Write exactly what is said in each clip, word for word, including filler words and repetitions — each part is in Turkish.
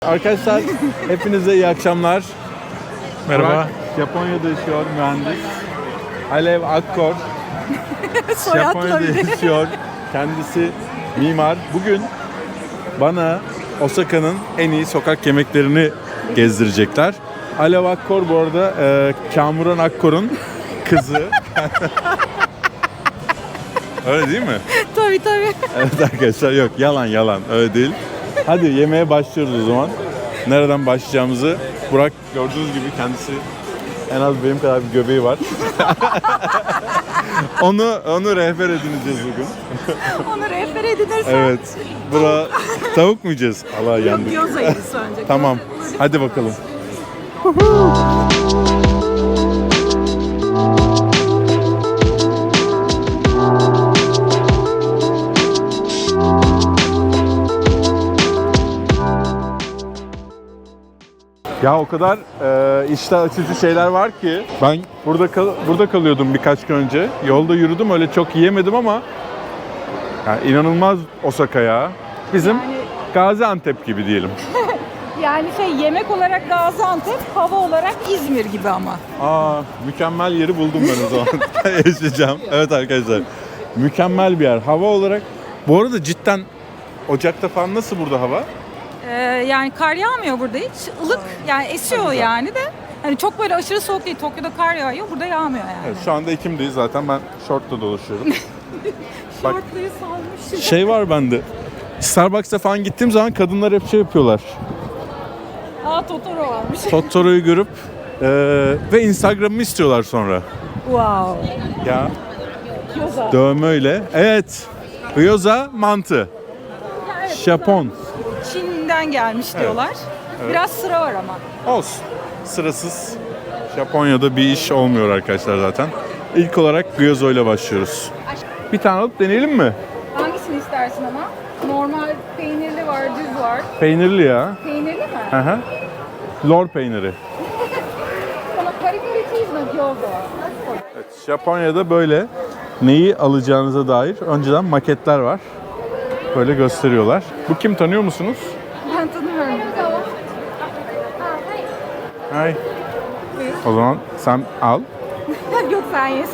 Arkadaşlar hepinize iyi akşamlar. Merhaba. Burak Japonya'da yaşıyor mühendis. Alev Akkor Japonya'da yaşıyor. Kendisi mimar. Bugün bana Osaka'nın en iyi sokak yemeklerini gezdirecekler. Alev Akkor bu arada e, Kamuran Akkor'un kızı. Öyle değil mi? Tabii tabii. Evet arkadaşlar, yok yalan yalan öyle değil. Hadi yemeğe başlıyoruz o zaman. Nereden başlayacağımızı Burak gördüğünüz gibi kendisi en az benim kadar bir göbeği var. onu onu rehber edineceğiz bugün. Onu rehber edinirsen. Evet. Bura tavuk mu yiyeceğiz? Allah yandık. Yok gyoza yeriz önce. Tamam. Hadi bakalım. Ya o kadar e, iştah açıcı şeyler var ki ben burada kal burada kalıyordum birkaç gün önce. Yolda yürüdüm, öyle çok yiyemedim ama yani inanılmaz Osaka ya. Bizim Yani- Gaziantep gibi diyelim. Yani şey, yemek olarak Gaziantep, hava olarak İzmir gibi ama. Aa, mükemmel yeri buldum ben o zaman. Yaşayacağım. Evet arkadaşlar. Mükemmel bir yer. Hava olarak bu arada cidden Ocak'ta falan nasıl burada hava? Ee, yani kar yağmıyor burada hiç. Ilık yani esiyor yani de. Hani çok böyle aşırı soğuk değil. Tokyo'da kar yağıyor, burada yağmıyor yani. Evet, şu anda Ekim'deyiz zaten, ben şortla dolaşıyorum. Bak, Şortluyu salmış. şey var bende. Starbucks'a falan gittiğim zaman kadınlar hep şey yapıyorlar. Aa, Totoro varmış. Totoro'yu görüp e, ve Instagram'ımı istiyorlar sonra. Wow. Ya Gyoza. dövmeyle. Evet. Gyoza mantı. Evet, Japon. Çin'den gelmiş diyorlar. Biraz sıra var ama. Olsun. Sırasız. Japonya'da bir iş olmuyor arkadaşlar zaten. İlk olarak gyoza ile başlıyoruz. Bir tane alıp deneyelim mi? Hangisini istersin ama? Normal peynirli var, düz var. Peynirli ya. Peynirli mi? Hı hı. Lor peyniri. Sana karikari cheese no gyoza. Evet, Japonya'da böyle neyi alacağınıza dair önceden maketler var. Böyle gösteriyorlar. Bu kim, tanıyor musunuz? Ben tanımıyorum. Hay. O zaman sen al. Yok, sen yesin.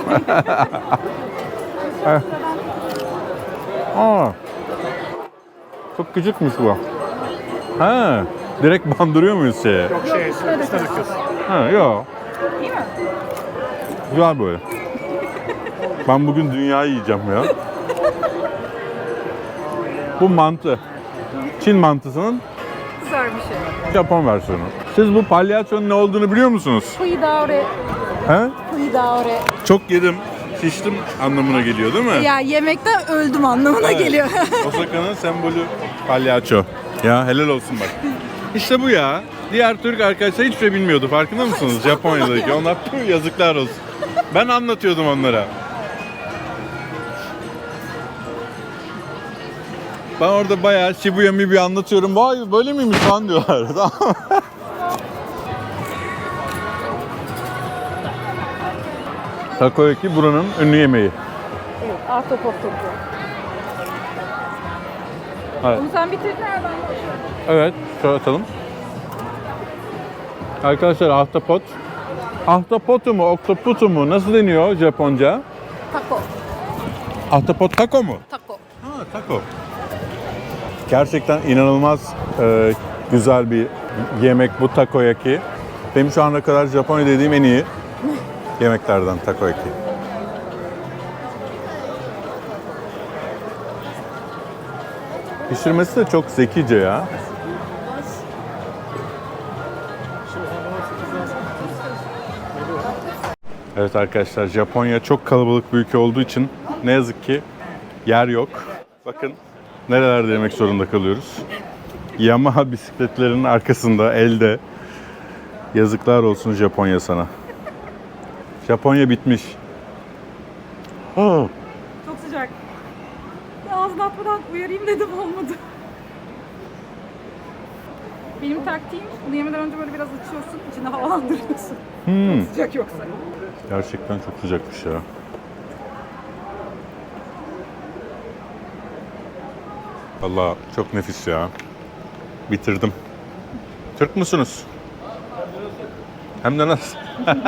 Aa. Çok küçükmüş bu. Ha. Direkt bandırıyor muyuz şeye? Yok şey, üstüne döküyorsun. Ha, yok. İyi mi? Güzel böyle. Ben bugün dünyayı yiyeceğim ya. Bu mantı. Çin mantısının Güzel bir şey. Japon versiyonu. Siz bu palyaçonun ne olduğunu biliyor musunuz? Puidaore. He? Puidaore. Çok yedim, şiştim anlamına geliyor değil mi? Ya yemekten öldüm anlamına Evet. geliyor. Osaka'nın sembolü palyaço. Ya helal olsun bak. İşte bu ya. Diğer Türk arkadaşlar hiçbir şey bilmiyordu, farkında mısınız? Japonya'daki. Onlar tüh, yazıklar olsun. Ben anlatıyordum onlara. Ben orada bayağı Shibuya Mibuya anlatıyorum. Vay böyle miymiş falan diyorlar. Tamam. Takoyaki buranın ünlü yemeği. Evet, ahtapot topu. Evet. Onu sen bitirdin nereden başlıyorsun? Evet, şöyle atalım. Arkadaşlar ahtapot. Ahtapotu mu, oktoputu mu? Nasıl deniyor Japonca? Taco. Ahtapot taco mu? Taco. Ha, taco. Gerçekten inanılmaz e, güzel bir yemek bu takoyaki. Benim şu ana kadar Japonya dediğim en iyi yemeklerden takoyaki. Pişirmesi de çok zekice ya. Evet arkadaşlar, Japonya çok kalabalık bir ülke olduğu için ne yazık ki yer yok. Bakın nerelerde yemek zorunda kalıyoruz. Yamaha bisikletlerinin arkasında, elde. Yazıklar olsun Japonya sana. Japonya bitmiş. Oh. Çok sıcak. Ağzını atmadan uyarayım dedim, olmadı. Benim taktiğim, bunu yemeden önce böyle biraz açıyorsun, içinde havalandırıyorsun. Hmm. Sıcak yoksa. Gerçekten çok sıcakmış ya. Vallahi çok nefis ya. Bitirdim. Türk musunuz? Hem de nasıl?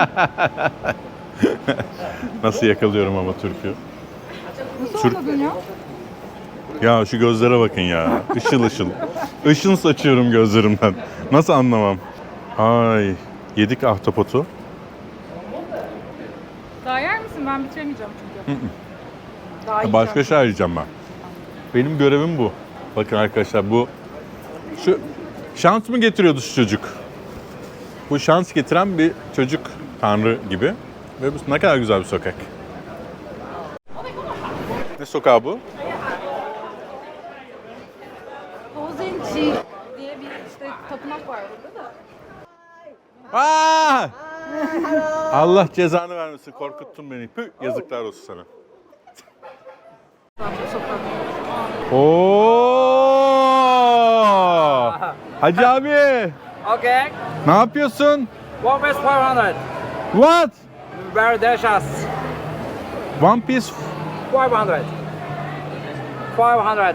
Nasıl yakalıyorum ama Türk'ü? Nasıl Türk- anladın ya? Ya şu gözlere bakın ya. Işıl ışıl. Işın saçıyorum gözlerimden. Nasıl anlamam? Ay, yedik ahtapotu. Daha yer misin? Ben bitiremeyeceğim çünkü. Daha Başka yiyeceğim. şey arayacağım ben. Benim görevim bu. Bakın arkadaşlar bu şu şans mı getiriyordu şu çocuk? Bu şans getiren bir çocuk tanrı gibi. Ve bu ne kadar güzel bir sokak. Ne sokağı bu? Bozenci diye bir işte tapınak var burada da. Aa! Allah cezanı vermesin. Korkuttun beni. Püh, yazıklar olsun sana. Sokak. Oo! Hacı abi, Okay. ne yapıyorsun? One piece five hundred. What? Very delicious. One piece. five hundred. five hundred.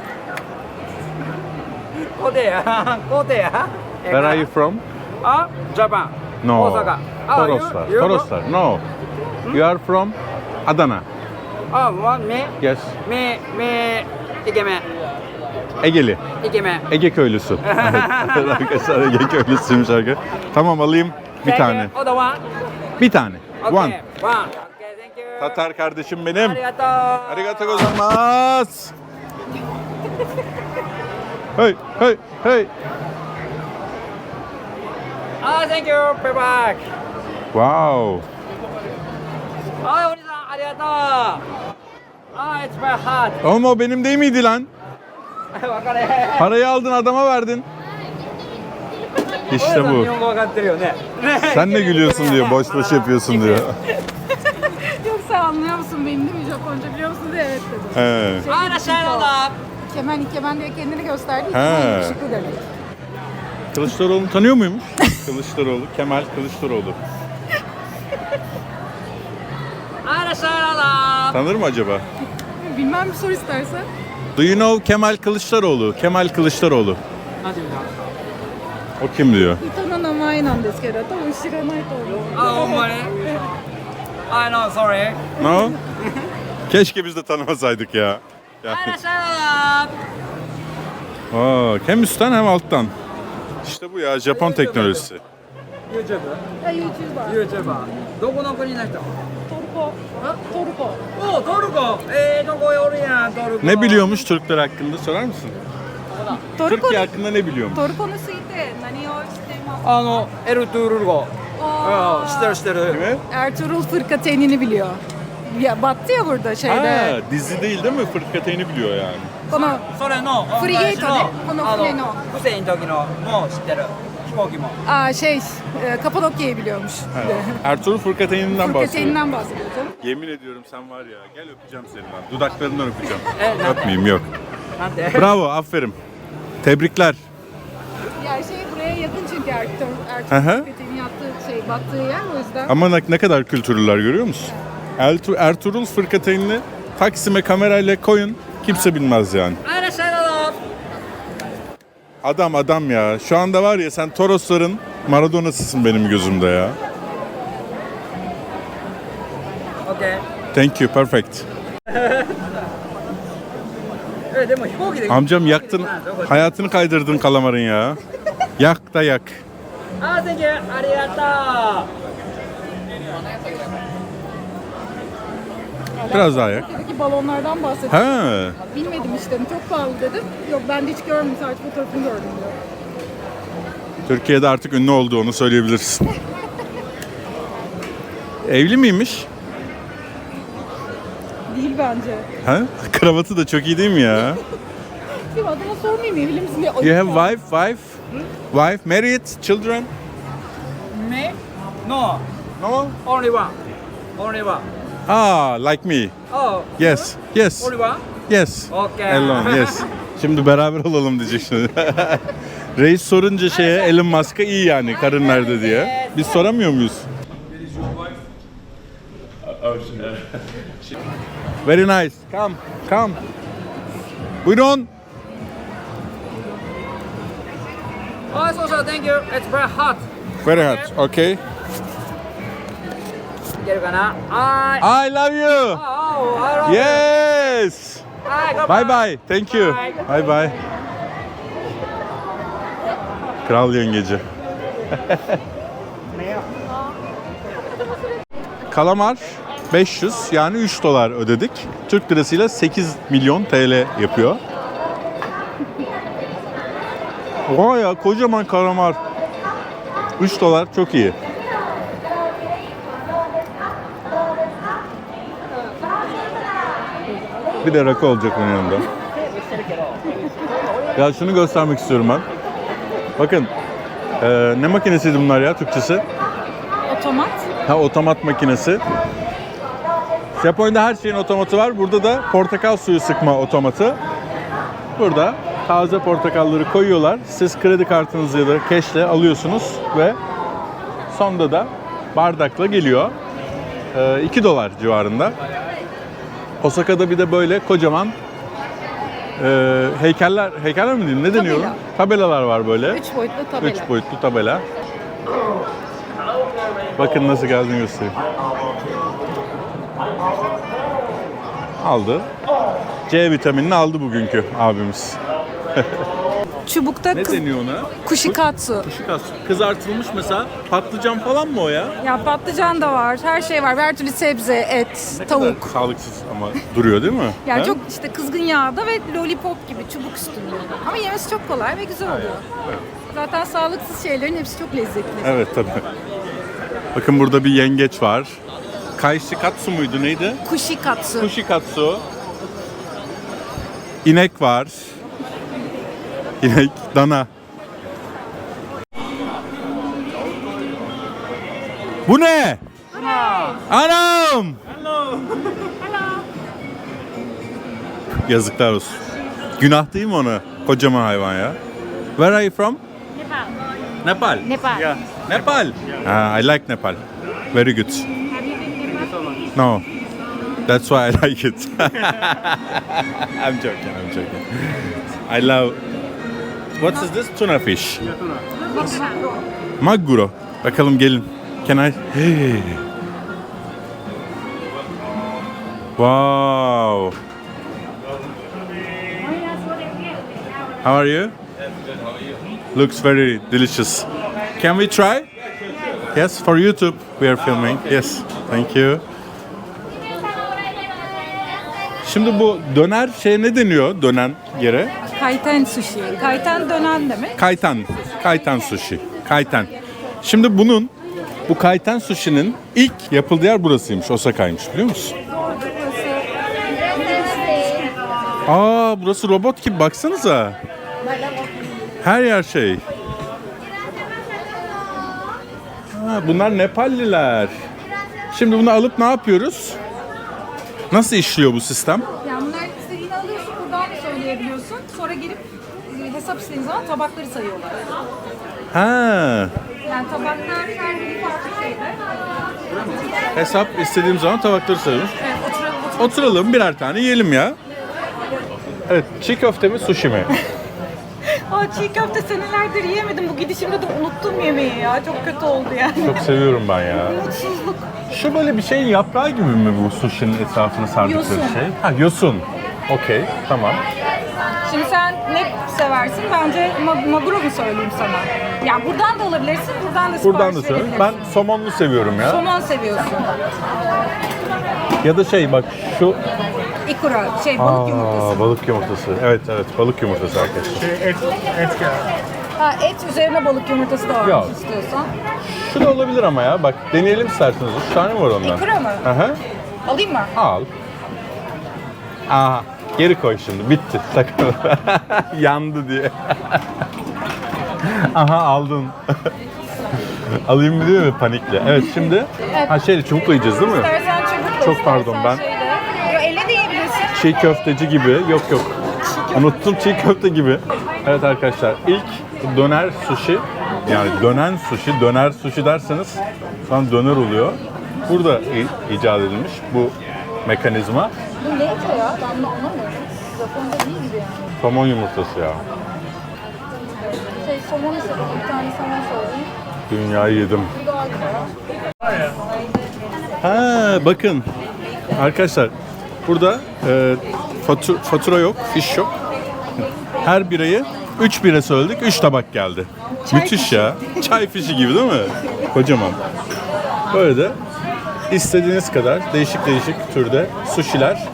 Go there. Go there. Where are you from? Ah, Japan. No. Osaka. Ah, you- Toroslar. you- Toroslar. No. You are from Adana. Ah, one me. Yes. Me, me. Ikemen. Egeli. Ikemen. Ege köylüsü. Evet. Arkadaşlar Ege köylüsüymüş arkadaşlar. Tamam alayım bir Thank tane. you. Other one. Bir tane. Okay. One. One. Okay, thank you. Tatar kardeşim benim. Arigato. Arigato gozaimasu. Hey, hey, hey. Ah, thank you. Bye bye. Wow. Ah, Oni-san, arigato. Ah, it's very hot. Ama o benim değil miydi lan? Wakare. Parayı aldın adama verdin. İşte bu. 日本語わかってるよね。 Sen ne gülüyorsun diyor, boş boş yapıyorsun diyor. Yoksa anlıyor musun beni değil mi? Japonca biliyor musun diye evet dedim. He. Şey, Ah, Rasharola. Kemen ikemen diye kendini gösterdi. He. İkemen yakışıklı demek. Kılıçdaroğlu'nu tanıyor muymuş? Kılıçdaroğlu, Kemal Kılıçdaroğlu. Ah, Rasharola. Tanır mı acaba? Bilmem bir sor istersen. Do you know Kemal Kılıçdaroğlu? Kemal Kılıçdaroğlu. O kim diyor? 人の名前なんですけど、多分知らないと思う。 Ah, ほんまに I know, sorry. No? Keşke biz de tanımasaydık ya. Ah, Yani, Rasharola. aa, hem üstten hem alttan. İşte bu ya Japon teknolojisi. YouTube? あ、YouTuber。 YouTuber. どこの国の人トルコ。あ、トルコ。 おトルコええとこおるやんトルコ Ne biliyormuş Türkler hakkında sorar mısın? トルコ Türkiye hakkında ne biliyormuş? トルコについて何を知っていますか？ あのエルトゥールル語あうん知ってる知ってる Kimi? Ertuğrul Fırkateyn'ini biliyor. Ya battı ya burada şeyde. Ha, dizi değil değil mi? Fırkateyni biliyor yani. このそれのフリゲートねこのあ船のフセインの時のも知ってる飛行機も aa, şey e, Kapadokya'yı biliyormuş. Ertuğrul Fırkateyni'nden bahsediyor. Fırkateyn'inden bahsediyor canım. Yemin ediyorum sen var ya, gel öpeceğim seni lan. Dudaklarından öpeceğim. E, ne- Öpmeyeyim yok. なんて Bravo, aferin. Tebrikler. Ya şey buraya yakın çünkü Ertuğrul, Hı hı. Ertuğrul Fırkateyn'in yaptığı şey battığı yer o yüzden. Ama ne, ne kadar kültürlüler görüyor musun? Ertuğrul, Ertuğrul Fırkateyni'ni Taksim'e kamerayla koyun. Kimse bilmez yani. あらっしゃいどうぞ Adam adam ya. Şu anda var ya sen Torosların Maradona'sısın benim gözümde ya. OK Thank you, perfect. えでも飛行機で Amcam yaktın, hayatını kaydırdın kalamarın ya. Yak da yak. あー thank you ありがと Biraz daha yak. Türkiye'deki balonlardan bahsediyor. Ha. Bilmedim işte çok pahalı dedim. Yok ben de hiç görmedim sadece fotoğrafını gördüm diyor. Türkiye'de artık ünlü olduğunu söyleyebilirsin. Evli miymiş? Değil bence. Ha? Kravatı da çok iyi değil mi ya? Değil mi? Adama sormayayım evli misin diye. You have wife, wife? Wife, married, children? う Me? No No. only one only one Ah, like me. Oh Yes, yes, only one yes. Okay. Alone, yes. Şimdi beraber olalım diyecek şimdi. Reis sorunca şeye Elon Musk'a iyi yani karın nerede diye. Biz soramıyor muyuz? Very nice. Come, come. Buyurun. Oh, so, so, thank you. It's very hot. Very hot. Okay. いけるかなは I ーい。 love you. Oh, I love you. Yes. はい、乾 Bye 杯。 bye. Thank you. Bye. Bye bye. Kral yengeci. Kalamar beş yüz yani üç dolar ödedik. Türk lirasıyla sekiz milyon T L yapıyor. Oha ya, kocaman kalamar. üç dolar çok iyi. Bir de rakı olacak onun yanında. Ya şunu göstermek istiyorum ben. Bakın. Ee, ne makinesiydi bunlar ya Türkçesi? Otomat. Ha, otomat makinesi. Japonya'da her şeyin otomatı var. Burada da portakal suyu sıkma otomatı. Burada taze portakalları koyuyorlar. Siz kredi kartınızı ya da cash'le alıyorsunuz ve sonda da bardakla geliyor. Ee, iki dolar civarında. Osaka'da bir de böyle kocaman e, heykeller, heykeller mi diyeyim? Ne deniyor? Tabela. Tabelalar var böyle. Üç boyutlu tabela. Üç boyutlu tabela. Bakın nasıl geldiğini göstereyim. Aldı. C vitaminini aldı bugünkü abimiz. Çubukta Ne kız, deniyor ona? kushikatsu. Kushikatsu. Kızartılmış mesela patlıcan falan mı o ya? Ya patlıcan da var, her şey var. Her türlü sebze, et, Ne tavuk. kadar sağlıksız ama duruyor değil mi? Yani Ha? çok işte kızgın yağda ve lollipop gibi çubuk üstünde. Ama yemesi çok kolay ve güzel oluyor. Evet. Zaten sağlıksız şeylerin hepsi çok lezzetli. Evet tabii. Bakın burada bir yengeç var. Kaishikatsu muydu neydi? Kushikatsu. Kushikatsu. İnek var. İnek, dana. Bu ne? Anam! Yazıklar olsun. Günah değil mi ona? Kocaman hayvan ya. Where are you from? Nepal. Nepal. Yeah. Nepal. Ah, I like Nepal. Very good. No. That's why I like it. I'm joking, I'm joking. I love... What is this? Tuna fish. Maguro. Bakalım gelin. Can I... Hey. Wow. How are you? Looks very delicious. Can we try? Yes, for YouTube we are filming. Yes, thank you. Şimdi bu döner şeye ne deniyor, dönen yere? Kaiten sushi. Kaiten dönen demek. Kaiten. Kaiten sushi. Kaiten. Şimdi bunun, bu kaiten sushi'nin ilk yapıldığı yer burasıymış, Osaka'ymış, biliyor musun? Aa, burası robot gibi, baksanıza. Her yer şey. Ha, bunlar Nepalliler. Şimdi bunu alıp ne yapıyoruz? Nasıl işliyor bu sistem? Yani bunlar istediğini alıyorsun, buradan da söyleyebiliyorsun. Sonra gelip e, hesap istediğin zaman tabakları sayıyorlar. Ha, Yani tabaklar her biri farklı şeyde. hesap istediğim zaman tabakları sayıyoruz. Evet, oturalım, oturalım. Oturalım birer tane yiyelim ya. Evet, çiğ köfte mi, sushi mi? Aa, çiğ köfte senelerdir yiyemedim. Bu gidişimde de unuttum yemeği ya. Çok kötü oldu yani. Çok seviyorum ben ya. Mutsuzluk. Şu böyle bir şeyin yaprağı gibi mi bu sushi'nin etrafını sardıkları Yosun. şey? Ha, yosun. Okey, tamam. Şimdi sen ne seversin? Bence ma- maguro mu söyleyeyim sana? Yani buradan da alabilirsin, buradan da sipariş Buradan da söyleyeyim. verebilirsin. Ben somonlu seviyorum ya. Somon seviyorsun. Ya da şey bak şu... Ikura, şey balık Aa, yumurtası. balık yumurtası. Evet evet, balık yumurtası arkadaşlar. Şey, et, et geldi. Ha, et üzerine balık yumurtası da var Yok. istiyorsan. Şu da olabilir ama ya. Bak deneyelim isterseniz. Üç tane var ondan. Ikura mı? Aha. Alayım mı? Al. Aha. Geri koy şimdi. Bitti. Sakın. Yandı diye. Aha aldın. Alayım mı diyor mu panikle. Evet şimdi. Evet. Ha şeyle çubukla yiyeceğiz değil mi? İstersen çubukla, Çok pardon, istersen ben- şeyle. Yo, elle de yiyebilirsin. Çiğ köfteci gibi. Yok yok. Unuttum, çiğ köfte gibi. Evet arkadaşlar, ilk döner sushi, yani dönen sushi, döner sushi derseniz şu an döner oluyor. Burada i- icat edilmiş bu mekanizma. Bu ne ya? Ben bunu anlamıyorum. Japonca değil gibi yani. Somon yumurtası ya. Şey, somon istedim. Bir tane somon söyledim. Dünyayı yedim. Bu daha güzel. Ha bakın. Arkadaşlar burada e, fatu- fatura yok, fiş yok. Her birayı üç bira söyledik, üç tabak geldi. Çay Müthiş fişi. ya. Çay fişi gibi değil mi? Kocaman. Böyle de istediğiniz kadar değişik değişik türde sushi'ler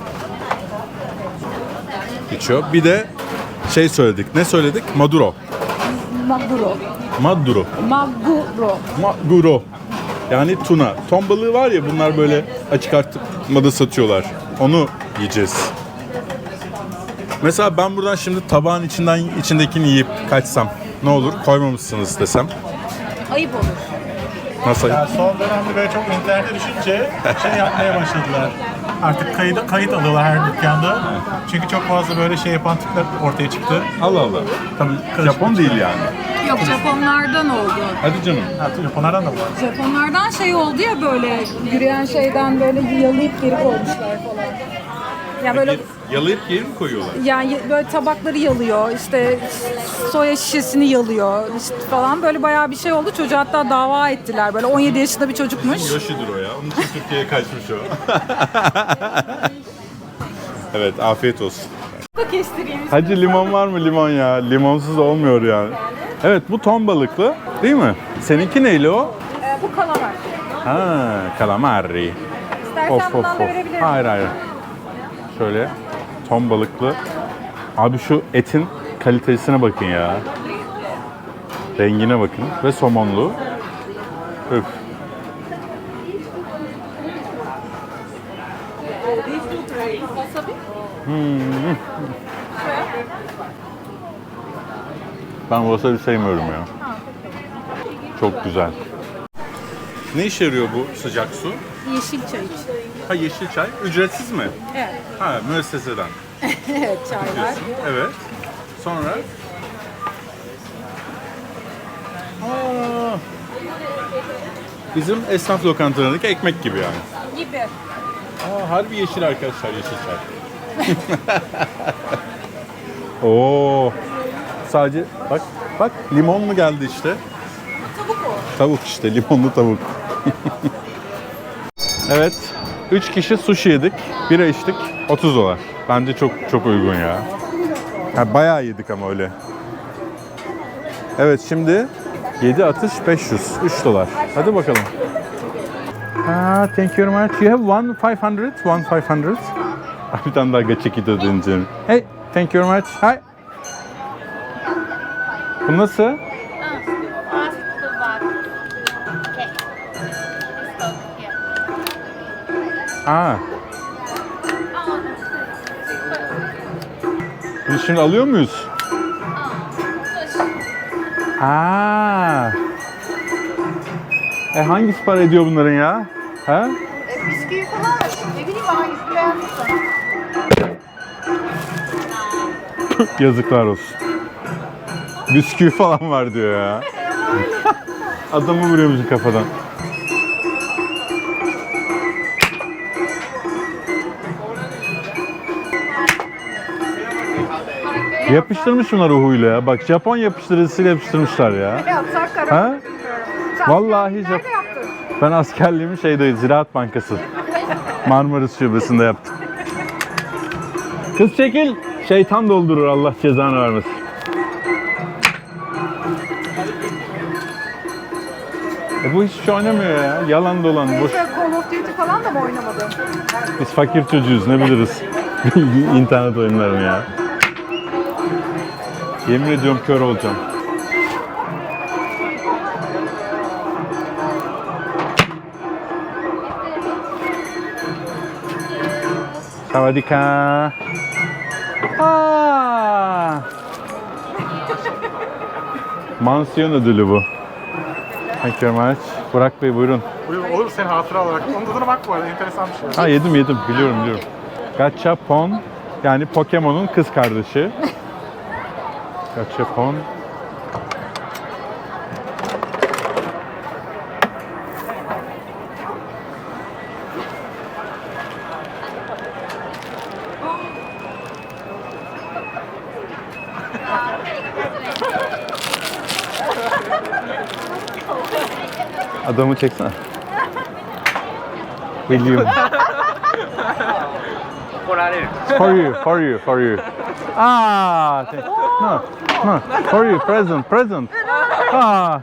geçiyor. Bir de şey söyledik. Ne söyledik? Maduro. Maguro. Maduro. Maguro. Maguro. Yani tuna. Ton balığı var ya, bunlar böyle açık arttırmada satıyorlar. Onu yiyeceğiz. Mesela ben buradan şimdi tabağın içinden içindekini yiyip kaçsam ne olur? Koymamışsınız desem. Ayıp olur. Nasıl? Ya son dönemde böyle çok internete düşünce şey yapmaya başladılar. Artık kayıt, kayıt alıyorlar her dükkanda. Çünkü çok fazla böyle şey yapan tipler ortaya çıktı. Allah Allah. Tabii Japon değil yani. Yok, Japonlardan oldu. Hadi canım. Artık Japonlardan da var. Japonlardan şey oldu ya, böyle yürüyen şeyden böyle yalayıp geri koymuşlar falan. Ya böyle Yalayıp geri mi koyuyorlar? yani böyle tabakları yalıyor, işte soya şişesini yalıyor işte falan, böyle bayağı bir şey oldu. Çocuğa hatta dava ettiler. Böyle on yedi yaşında bir çocukmuş. Yoshi'dir o ya. Onun için Türkiye'ye kaçmış o. Evet, afiyet olsun. Kestireyim. Hacı limon var mı? Limon ya. Limonsuz olmuyor yani. Evet, bu ton balıklı değil mi? Seninki neyli o? Ee, bu kalamar. Ha, calamari. İstersen Of of bundan da of. verebilirim. Hayır hayır. Şöyle ton balıklı. Abi şu etin kalitesine bakın ya. Rengine bakın ve somonlu. Öf. Hmm. Ben wasabi sevmiyorum ya. Çok güzel. Ne işe yarıyor bu sıcak su? Yeşil çay için. Ha, yeşil çay. Ücretsiz mi? Evet. Ha, müesseseden. Evet, çaylar. Evet. Sonra? Aa, bizim esnaf lokantalarındaki ekmek gibi yani. Gibi. Aa, harbi yeşil arkadaşlar, yeşil çay. Oo. Sadece bak bak limon mu geldi işte? Tavuk o. Tavuk işte, limonlu tavuk. Evet. üç kişi sushi yedik. Bira içtik. otuz dolar. Bence çok çok uygun ya. Ha, bayağı yedik ama öyle. Evet, şimdi yedi atış beş yüz. üç dolar. Hadi bakalım. Ah, thank you very much. You have one five hundred? One five hundred? Bir tane daha gaçekito deneyeceğim. Hey, thank you very much. Hi. Bu nasıl? Ask the bag. Okay. Let's go here. Aa. Biz şimdi alıyor muyuz? Aa. E hangisi para ediyor bunların ya? Ha? E, bisküvi falan var. Ne bileyim hangisini beğendiysen. Yazıklar olsun. Bisküvi falan var diyor ya. Adamı vuruyormuş kafadan. Yapıştırmış bunlar ruhuyla ya. Bak, Japon yapıştırıcısıyla yapıştırmışlar ya. Yapsak karar Ha? bilmiyorum. Sen Vallahi nerede Jap- yaptın? Ben askerliğimi şeyde, Ziraat Bankası. Marmaris Şubesi'nde yaptım. Kız çekil. Şeytan doldurur, Allah cezanı vermesin. E bu hiçbir şey oynamıyor ya. Yalan dolan, boş. Hiç böyle Call of Duty falan da mı oynamadın? Biz fakir çocuğuz, ne biliriz. İnternet oyunlarını ya. Yemin ediyorum kör olacağım. Savadika. Aa! Mansiyon ödülü bu. Thank you very much. Burak Bey buyurun. Buyur, olur senin hatıra olarak. Onun tadına bak bu arada, enteresan bir şey. Ha, yedim yedim, biliyorum biliyorum. Gachapon, yani Pokemon'un kız kardeşi. Gachapon. Adamı çeksene. William. For you, for you, for you. Ah, thank- no, no, for you, present, present. Ah.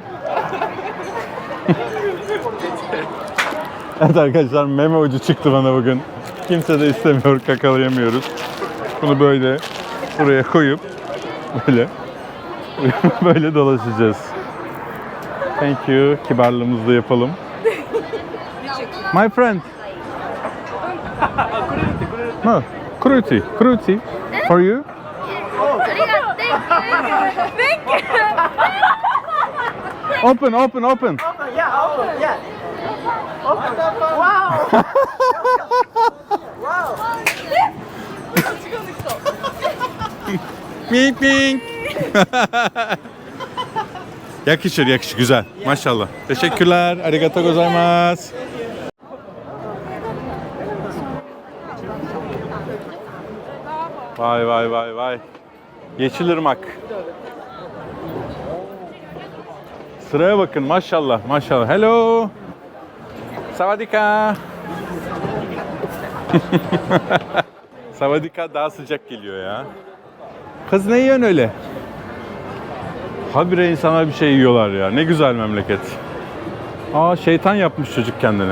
Evet arkadaşlar, meme ucu çıktı bana bugün. Kimse de istemiyor, kakalayamıyoruz. Bunu böyle buraya koyup böyle böyle dolaşacağız. Thank you. Kibarlığımızı da yapalım. My friend. No, cruelty, cruelty. For you. Open, open, open. Mink mink. Yakışır, yakışır. Güzel. Maşallah. Teşekkürler. Arigato gozaimasu. Vay vay vay vay. Yeşilırmak. Sıraya bakın. Maşallah. Maşallah. Hello. Savadika. Savadika daha sıcak geliyor ya. Kız ne yiyorsun öyle? Habire insanlar bir şey yiyorlar ya. Ne güzel memleket. Aa, şeytan yapmış çocuk kendine.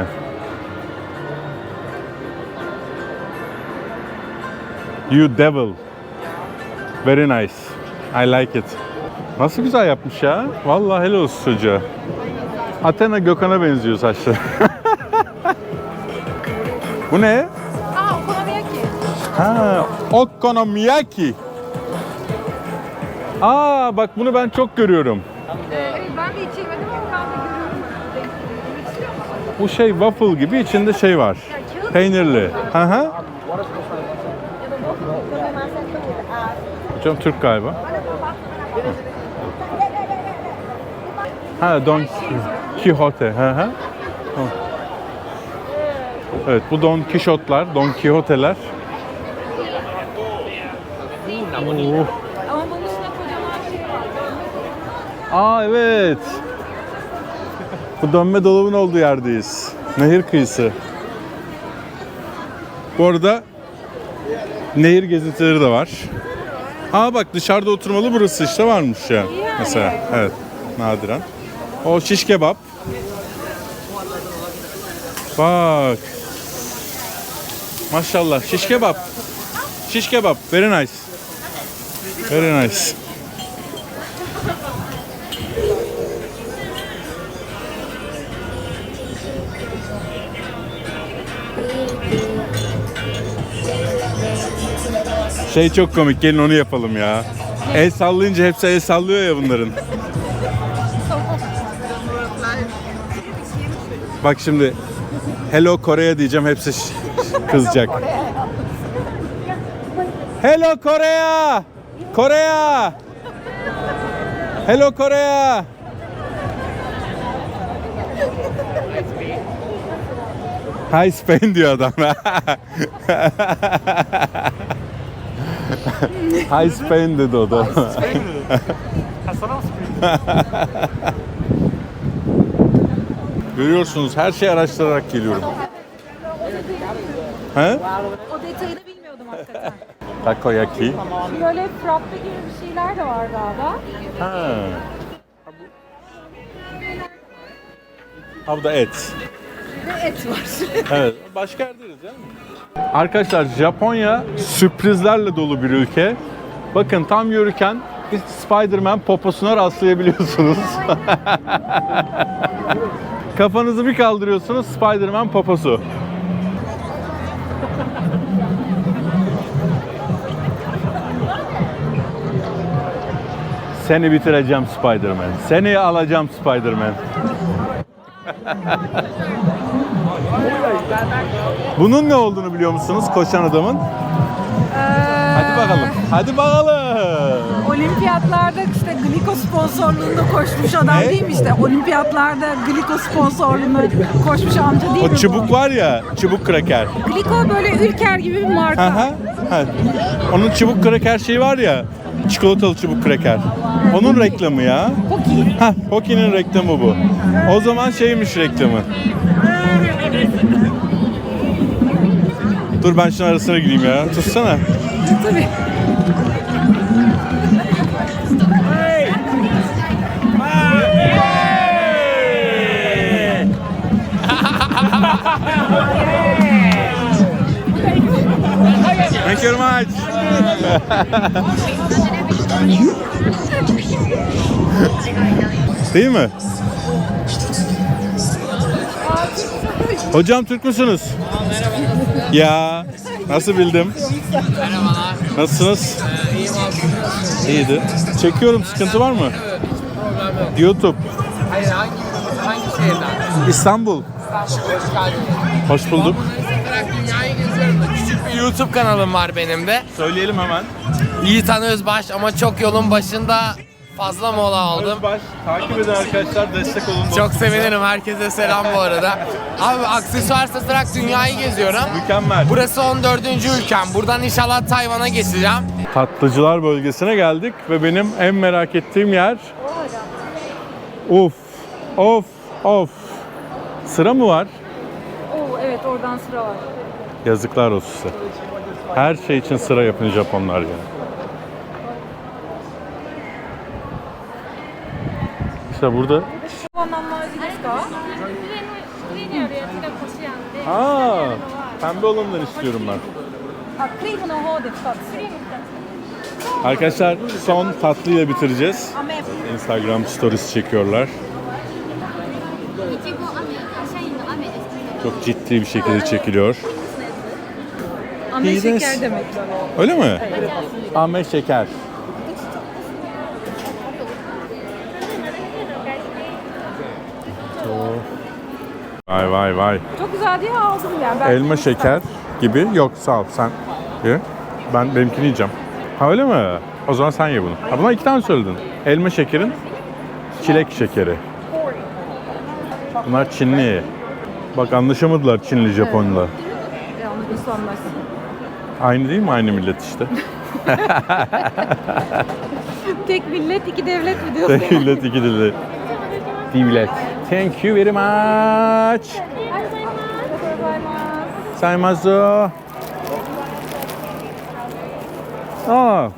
You devil. Very nice. I like it. Nasıl güzel yapmış ya. Vallahi helal olsun çocuğa. Athena Gökhan'a benziyor saçları. Bu ne? Aa, okonomiyaki. Ha, okonomiyaki. Aa, bak bunu ben çok görüyorum. Evet, ben de hiç yemedim ama ben de görüyorum. Bu şey waffle gibi, içinde şey var. Peynirli. Hı hı. Hocam Türk galiba. Ha, Don Quixote. Hı hı. Evet, bu Don Quixote'lar, Don Quixote'ler. Oh. Ama bunun üstüne kocaman şey var. Aa, evet. Bu dönme dolabın olduğu yerdeyiz. Nehir kıyısı. Bu arada nehir gezintileri de var. Aa bak, dışarıda oturmalı burası işte varmış ya. Mesela evet, nadiren. O şiş kebap. Bak. Maşallah, şiş kebap. Şiş kebap, very nice. Very nice. Şey çok komik, gelin onu yapalım ya. El sallayınca hepsi el sallıyor ya bunların. Bak şimdi Hello Korea diyeceğim, hepsi ş- kızacak. Hello Korea! Korea! Hello Korea! Hi Spain diyor adam. Hi Spain dedi o da. Ha, sana mı sıkıntı? Görüyorsunuz, her şeyi araştırarak geliyorum. He? O detayını bilmiyordum hakikaten. Takoyaki. Böyle frappe gibi bir şeyler de var galiba. Ha. Ha, bu da et. Ve et var. Evet. Başka yerdeyiz değil mi? Arkadaşlar, Japonya sürprizlerle dolu bir ülke. Bakın, tam yürürken bir Spider-Man poposuna rastlayabiliyorsunuz. Kafanızı bir kaldırıyorsunuz, Spider-Man poposu. Seni bitireceğim Spider-Man. Seni alacağım Spider-Man. Bunun ne olduğunu biliyor musunuz, koşan adamın? Hadi bakalım. Hadi bakalım. Olimpiyatlarda işte Glico sponsorluğunda koşmuş adam Ne? değil mi işte? Olimpiyatlarda Glico sponsorluğunda koşmuş amca değil mi O bu? çubuk var ya, çubuk kraker. Glico böyle Ülker gibi bir marka. Aha. Ha. Onun çubuk kraker şeyi var ya. çikolatalı çubuk kreker. Onun reklamı ya. Poki. Heh, Poki'nin reklamı bu. O zaman şeymiş reklamı. Dur ben şunun arasına gireyim ya. Tutsana. Tabii. Thank you very much. Değil mi? Hocam Türk müsünüz? Ya nasıl bildim? Merhabalar. Nasılsınız? Ee, iyiyim abi. İyiydi. Çekiyorum, sıkıntı var mı? Problem yok. YouTube. Hayır hangi, hangi şehirden? İstanbul. İstanbul. Hoş geldiniz. Hoş bulduk. Olarak dünyayı geziyorum da küçük bir YouTube kanalım var benim de. Söyleyelim hemen. Yiğitan Özbaş ama çok yolun başında fazla mola aldım. Özbaş, takip edin arkadaşlar, destek olun. Çok sevinirim. Herkese selam bu arada. Abi aksesuar satarak dünyayı geziyorum. Mükemmel. Burası on dördüncü ülkem. Buradan inşallah Tayvan'a geçeceğim. Tatlıcılar bölgesine geldik ve benim en merak ettiğim yer... Of, of, of. Sıra mı var? Oo, evet oradan sıra var. Yazıklar olsun size. Her şey için sıra yapın Japonlar ya. İşte burada. Aa, pembe olanından istiyorum ben. Arkadaşlar son tatlıyla bitireceğiz. Instagram stories çekiyorlar. Çok ciddi bir şekilde çekiliyor. Ame İyi de- şeker demek. Öyle mi? Ame şeker. Vay vay vay. Çok güzel diye aldım yani. Ben Elma şeker gibi. Yok sağ ol sen ye. Ben benimkini yiyeceğim. Ha öyle mi? O zaman sen ye bunu. Ha buna iki tane söyledin. Elma şekerin çilek şekeri. Bunlar Çinli. Bak anlaşamadılar Çinli Japonla. Yanlış nasıl anlarsın? Aynı değil mi? Aynı millet işte. Tek millet iki devlet mi diyorsun? Tek millet iki dilli. Devlet. Thank you very much. Saymazo. Aa.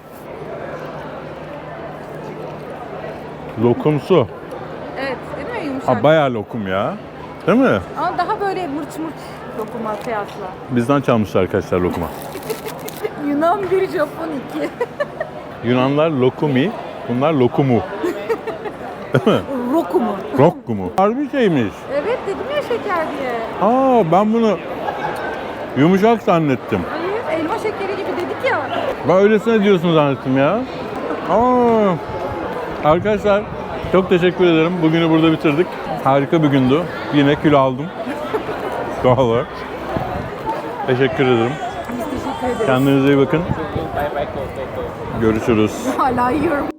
Lokumsu. Evet değil mi yumuşak? Ha bayağı lokum ya. Değil mi? Ama daha böyle mırç mırç lokuma kıyasla. Bizden çalmışlar arkadaşlar lokuma. Yunan bir, Japon iki. Yunanlar lokumi, bunlar lokumu. Rokumu. Rokkumu. Harbi şeymiş. Evet dedim ya şeker diye. Aa ben bunu yumuşak zannettim. Hayır elma şekeri gibi dedik ya. Ben öylesine diyorsun zannettim ya. Aa. Arkadaşlar çok teşekkür ederim. Bugünü burada bitirdik. Harika bir gündü. Yine kilo aldım. Doğal olarak. Teşekkür ederim. Biz teşekkür ederiz. Kendinize iyi bakın. Görüşürüz. Hala yiyorum.